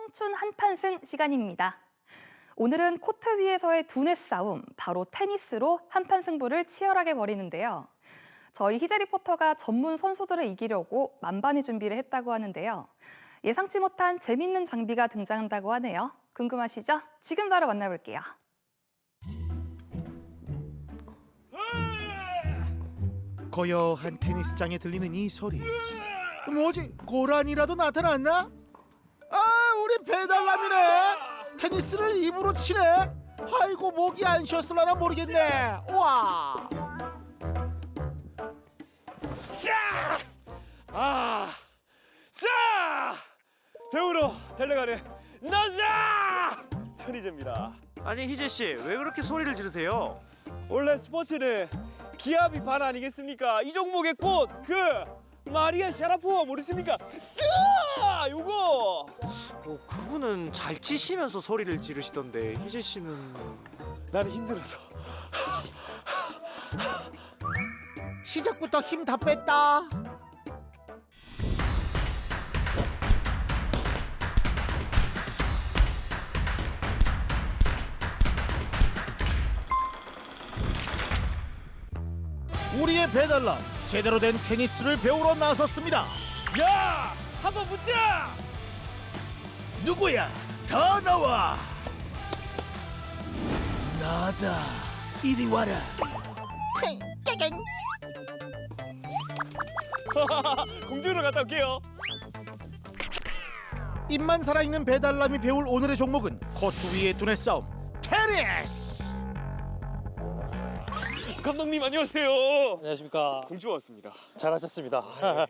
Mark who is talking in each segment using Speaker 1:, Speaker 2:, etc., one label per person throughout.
Speaker 1: 청춘 한판승 시간입니다. 오늘은 코트 위에서의 두뇌 싸움, 바로 테니스로 한판 승부를 치열하게 벌이는데요. 저희 희재 리포터가 전문 선수들을 이기려고 만반의 준비를 했다고 하는데요. 예상치 못한 재밌는 장비가 등장한다고 하네요. 궁금하시죠? 지금 바로 만나볼게요.
Speaker 2: 고요한 테니스장에 들리는 이 소리. 뭐지? 고란이라도 나타났나? 아, 우리 배달남이네. 테니스를 입으로 치네. 아이고, 목이 안 쉬었을라나 모르겠네. 우와.
Speaker 3: 대우로 달려가는 나자 천희재입니다.
Speaker 4: 아니 희재 씨, 왜 그렇게 소리를 지르세요?
Speaker 3: 원래 스포츠는 기압이 반 아니겠습니까? 이 종목의 꽃, 마리아 샤라포와 모르십니까? 요거
Speaker 4: 그분은 잘 치시면서 소리를 지르시던데 희재 씨는
Speaker 3: 나는 힘들어서.
Speaker 2: 시작부터 힘 다 뺐다. 우리의 배달남 제대로 된 테니스를 배우러 나섰습니다.
Speaker 3: 야, 한번 붙자.
Speaker 2: 누구야? 다 나와. 나다. 이리 와라.
Speaker 3: 공주로 갔다 올게요.
Speaker 2: 입만 살아있는 배달남이 배울 오늘의 종목은 코트 위의 두뇌 싸움 테니스.
Speaker 3: 감독님 안녕하세요.
Speaker 5: 안녕하십니까.
Speaker 3: 공주 왔습니다.
Speaker 5: 잘하셨습니다.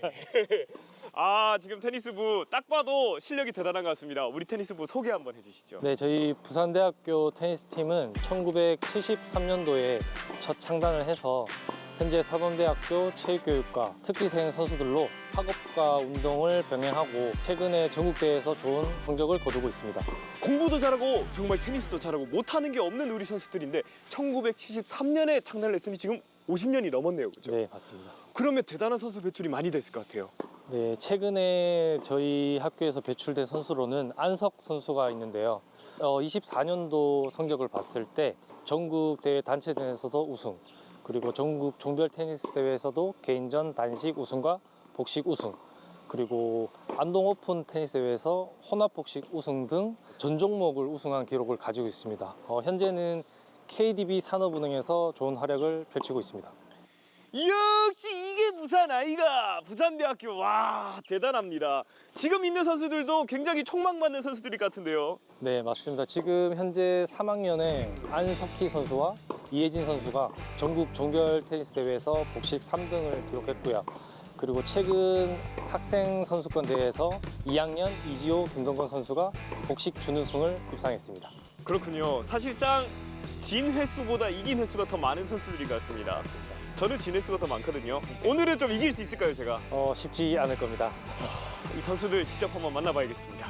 Speaker 3: 지금 테니스부 딱 봐도 실력이 대단한 것 같습니다. 우리 테니스부 소개 한번 해주시죠.
Speaker 5: 네, 저희 부산대학교 테니스팀은 1973년도에 첫 창단을 해서 현재 사범대학교 체육교육과 특기생 선수들로 학업과 운동을 병행하고 최근에 전국대회에서 좋은 성적을 거두고 있습니다.
Speaker 3: 공부도 잘하고 정말 테니스도 잘하고 못하는 게 없는 우리 선수들인데 1973년에 창단을 했으니 지금 50년이 넘었네요, 그죠?
Speaker 5: 네, 맞습니다.
Speaker 3: 그러면 대단한 선수 배출이 많이 됐을 것 같아요.
Speaker 5: 네, 최근에 저희 학교에서 배출된 선수로는 안석 선수가 있는데요. 24년도 성적을 봤을 때 전국 대회 단체전에서도 우승, 그리고 전국 종별 테니스 대회에서도 개인전 단식 우승과 복식 우승, 그리고 안동 오픈 테니스 대회에서 혼합 복식 우승 등 전 종목을 우승한 기록을 가지고 있습니다. 현재는 KDB 산업은행에서 좋은 활약을 펼치고 있습니다.
Speaker 3: 역시 이게 부산 아이가 부산대학교. 와, 대단합니다. 지금 있는 선수들도 굉장히 촉망받는 선수들일 것 같은데요.
Speaker 5: 네, 맞습니다. 지금 현재 3학년에 안석희 선수와 이혜진 선수가 전국 종별 테니스 대회에서 복식 3등을 기록했고요. 그리고 최근 학생 선수권 대회에서 2학년 이지호 김동건 선수가 복식 준우승을 입상했습니다.
Speaker 3: 그렇군요. 사실상 진 횟수보다 이긴 횟수가 더 많은 선수들인 것 같습니다. 저는 진 횟수가 더 많거든요. 오늘은 좀 이길 수 있을까요, 제가?
Speaker 5: 쉽지 않을 겁니다.
Speaker 3: 이 선수들 직접 한번 만나봐야겠습니다.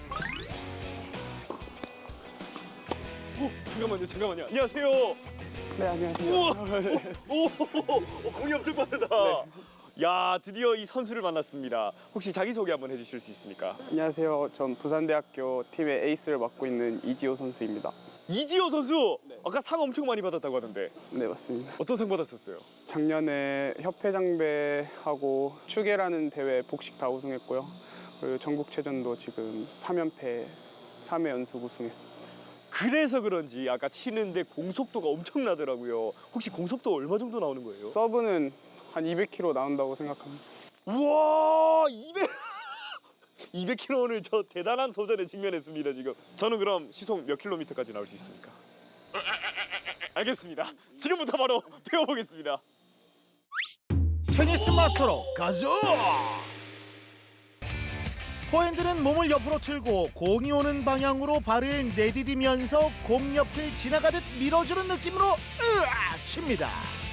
Speaker 3: 잠깐만요. 안녕하세요.
Speaker 6: 네, 안녕하세요.
Speaker 3: 우와, 공이 엄청 빠르다. 야, 드디어 이 선수를 만났습니다. 혹시 자기소개 한번 해주실 수 있습니까?
Speaker 6: 안녕하세요. 전 부산대학교 팀의 에이스를 맡고 있는 이지호 선수입니다.
Speaker 3: 이지호 선수! 아까 상 엄청 많이 받았다고 하던데
Speaker 6: 네, 맞습니다.
Speaker 3: 어떤 상 받았었어요?
Speaker 6: 작년에 협회장배하고 추계라는 대회 복식 다 우승했고요. 그리고 전국체전도 지금 3연패, 3회 연속 우승했습니다.
Speaker 3: 그래서 그런지 아까 치는데 공속도가 엄청나더라고요. 혹시 공속도 얼마 정도 나오는 거예요?
Speaker 6: 서브는 한 200km 나온다고 생각합니다.
Speaker 3: 우와, 200km 오늘 저 대단한 도전에 직면했습니다, 지금. 저는 그럼 시속 몇 킬로미터까지 나올 수 있습니까? 알겠습니다. 지금부터 바로 배워보겠습니다.
Speaker 2: 테니스 마스터로 가자. 포핸드는 몸을 옆으로 틀고 공이 오는 방향으로 발을 내디디면서 공 옆을 지나가듯 밀어주는 느낌으로 칩니다.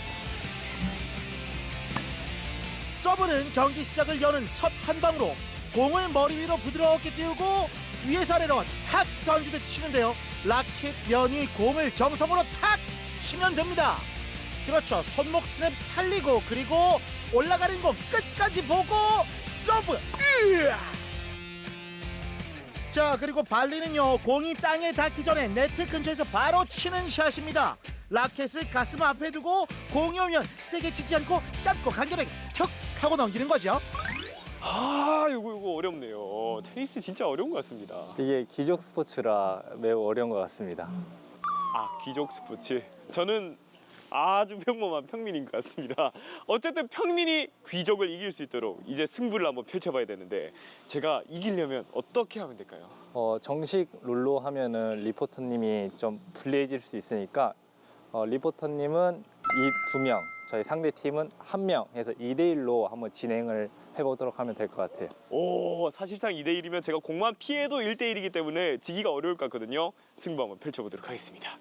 Speaker 2: 서브는 경기 시작을 여는 첫 한 방으로 공을 머리 위로 부드럽게 띄우고 위에서 아래로 탁 던지듯 치는데요. 라켓 면이 공을 정성으로 탁 치면 됩니다. 그렇죠. 손목 스냅 살리고 그리고 올라가는 공 끝까지 보고 서브. 자, 그리고 발리는요, 공이 땅에 닿기 전에 네트 근처에서 바로 치는 샷입니다. 라켓을 가슴 앞에 두고 공이 오면 세게 치지 않고 짧고 간결하게 툭 하고 넘기는 거죠.
Speaker 3: 아, 이거 어렵네요. 테니스 진짜 어려운 것 같습니다.
Speaker 5: 이게 귀족 스포츠라 매우 어려운 것 같습니다.
Speaker 3: 아, 귀족 스포츠. 저는 아주 평범한 평민인 것 같습니다. 어쨌든 평민이 귀족을 이길 수 있도록 이제 승부를 한번 펼쳐봐야 되는데 제가 이기려면 어떻게 하면 될까요?
Speaker 5: 정식 룰로 하면은 리포터님이 좀 불리해질 수 있으니까 리포터님은 이 2명, 저희 상대 팀은 1명 해서 2대1로 한번 진행을 해보도록 하면 될 것 같아요.
Speaker 3: 오, 사실상 2대1이면 제가 공만 피해도 1대1이기 때문에 지기가 어려울 것 같거든요. 승부 한번 펼쳐보도록 하겠습니다.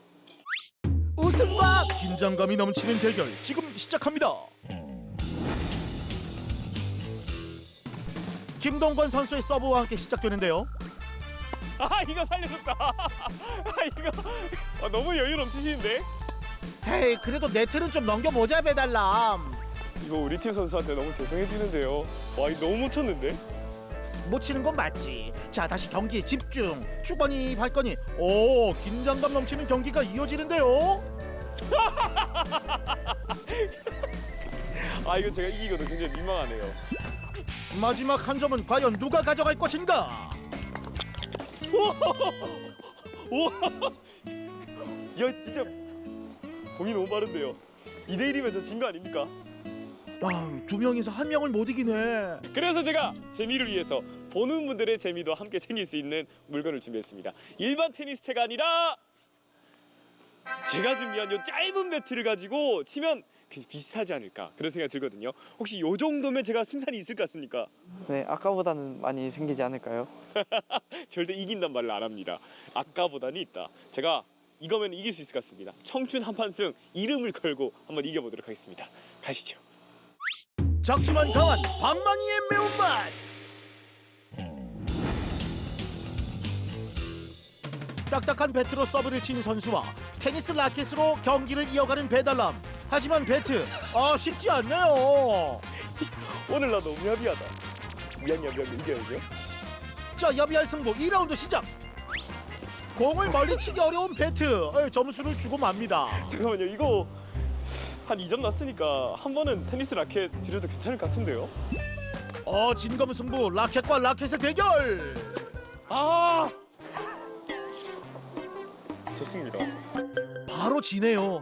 Speaker 2: 웃음과 긴장감이 넘치는 대결 지금 시작합니다. 김동건 선수의 서브와 함께 시작되는데요.
Speaker 3: 아, 이거 살려줬다. 아, 이거 너무 여유 넘치시는데?
Speaker 2: 헤이, 그래도 네트는 좀 넘겨보자, 배달람.
Speaker 3: 이거 우리 팀 선수한테 너무 죄송해지는데요. 와, 이거 너무 못 쳤는데?
Speaker 2: 못 치는 건 맞지. 자, 다시 경기에 집중. 추건이 발건이. 오, 긴장감 넘치는 경기가 이어지는데요.
Speaker 3: 아, 이거 제가 이기고도 굉장히 민망하네요.
Speaker 2: 마지막 한 점은 과연 누가 가져갈 것인가?
Speaker 3: 우와! 야, 진짜 공이 너무 빠른데요. 2대1이면 저 진 거 아닙니까?
Speaker 2: 아, 두 명이서 한 명을 못 이기네.
Speaker 3: 그래서 제가 재미를 위해서 보는 분들의 재미도 함께 챙길 수 있는 물건을 준비했습니다. 일반 테니스채가 아니라 제가 준비한 요 짧은 배트를 가지고 치면 비슷하지 않을까 그런 생각이 들거든요. 혹시 요 정도면 제가 승산이 있을 것 같습니까?
Speaker 6: 네, 아까보다는 많이 생기지 않을까요?
Speaker 3: 절대 이긴단 말을 안 합니다. 아까보다는 있다. 제가 이거면 이길 수 있을 것 같습니다. 청춘 한판승 이름을 걸고 한번 이겨보도록 하겠습니다. 가시죠.
Speaker 2: 작지만 강한 방망이의 매운맛. 딱딱한 배트로 서브를 친 선수와 테니스 라켓으로 경기를 이어가는 배달남. 하지만 배트, 쉽지 않네요.
Speaker 3: 오늘 나 너무 야비하다. 미안 이겨야죠.
Speaker 2: 자, 야비할 승부 2라운드 시작. 공을 멀리 치기 어려운 배트. 점수를 주고 맙니다.
Speaker 3: 잠깐만요. 이거 한 2점 났으니까 한 번은 테니스 라켓 드려도 괜찮을 것 같은데요?
Speaker 2: 진검승부 라켓과 라켓의 대결.
Speaker 3: 아! 좋습니다.
Speaker 2: 바로 지네요.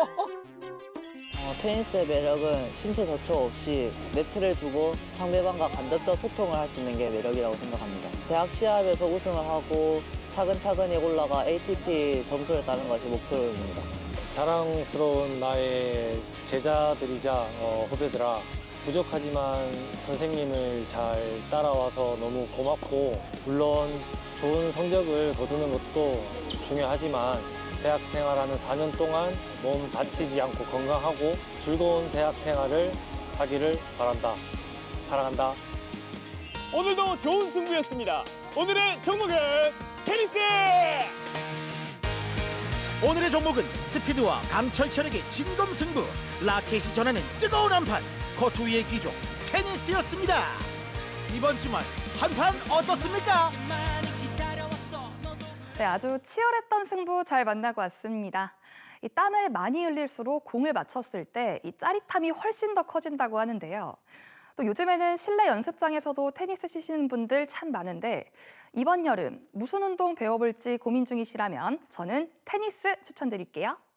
Speaker 7: 테니스의 매력은 신체 접촉 없이 네트를 두고 상대방과 간접적 소통을 할 수 있는 게 매력이라고 생각합니다. 대학 시합에서 우승을 하고 차근차근히 올라가 ATP 점수를 따는 것이 목표입니다.
Speaker 5: 자랑스러운 나의 제자들이자 후배들아, 부족하지만 선생님을 잘 따라와서 너무 고맙고, 물론 좋은 성적을 거두는 것도 중요하지만 대학 생활하는 4년 동안 몸 다치지 않고 건강하고 즐거운 대학 생활을 하기를 바란다. 사랑한다.
Speaker 3: 오늘도 좋은 승부였습니다. 오늘의 종목은 테니스!
Speaker 2: 오늘의 종목은 스피드와 강철철에게 진검승부. 라켓이 전하는 뜨거운 한판. 코트 위의 기종 테니스였습니다. 이번 주말 한판 어떻습니까?
Speaker 1: 네, 아주 치열했던 승부 잘 만나고 왔습니다. 이 땀을 많이 흘릴수록 공을 맞췄을 때 이 짜릿함이 훨씬 더 커진다고 하는데요. 또 요즘에는 실내 연습장에서도 테니스 치시는 분들 참 많은데 이번 여름 무슨 운동 배워볼지 고민 중이시라면 저는 테니스 추천드릴게요.